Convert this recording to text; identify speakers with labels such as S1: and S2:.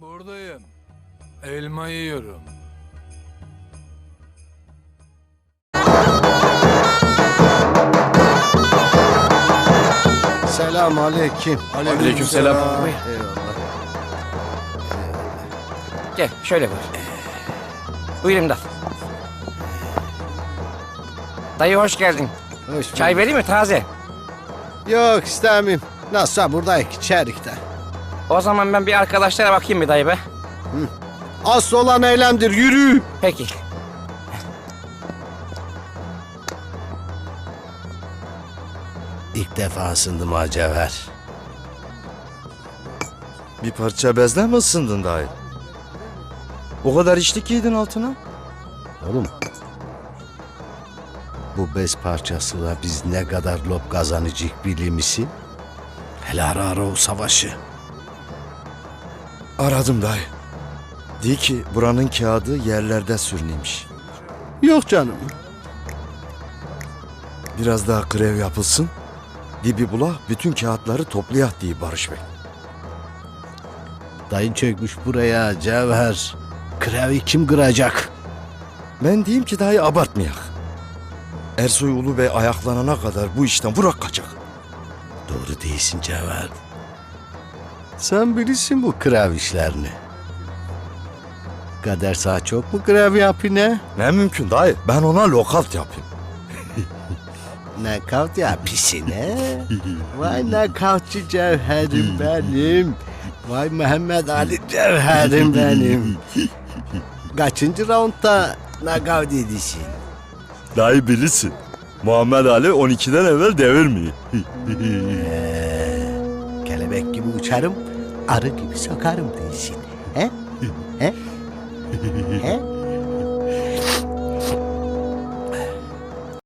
S1: Buradayım. Elma yiyorum.
S2: Selam aleyküm.
S3: Aleykümselam.
S2: Eyvallah.
S3: Gel şöyle buyur. Buyur İmdat. Dayı hoş geldin.
S2: Hoş
S3: Çay vereyim mi taze?
S2: Yok istemeyim. Nasılsa buradayız içerikte.
S3: O zaman ben bir arkadaşlara bakayım bir dayı be.
S2: Asıl olan eylemdir, yürü.
S3: Peki.
S2: İlk defa ısındım ha Cevher.
S4: Bir parça bezle mi ısındın dayı? O kadar içlik giydin altına.
S2: Oğlum. Bu bez parçasıyla biz ne kadar lop kazanacak bilir misin? Hele ara o savaşı.
S4: Aradım dayı. Diyor ki buranın kağıdı yerlerde sürüneymiş.
S2: Yok canım.
S4: Biraz daha grev yapılsın. Dibi bula bütün kağıtları toplayak diye Barış Bey.
S2: Dayın çökmüş buraya Cevher. Krevi kim kıracak?
S4: Ben diyeyim ki dayı abartmayak. Ersoy Ulu Bey ayaklanana kadar bu işten vurak kaçak.
S2: Doğru değilsin Cevher. Sen bilirsin bu krev işlerini. Kader sağ çok mu grev yapıyor ne?
S4: Ne mümkün dayı, ben ona lokalt yapayım.
S2: Nakavt yapıyorsun he? Vay nakavtçı Cevherim benim. Vay Mehmet Ali Cevherim benim. Kaçıncı roundda nakavt edişin?
S4: Dayı bilirsin. Muhammed Ali 12'den evvel devirmiyor.
S2: Kelebek gibi uçarım, arı gibi sokarım değilsin. He? He? He?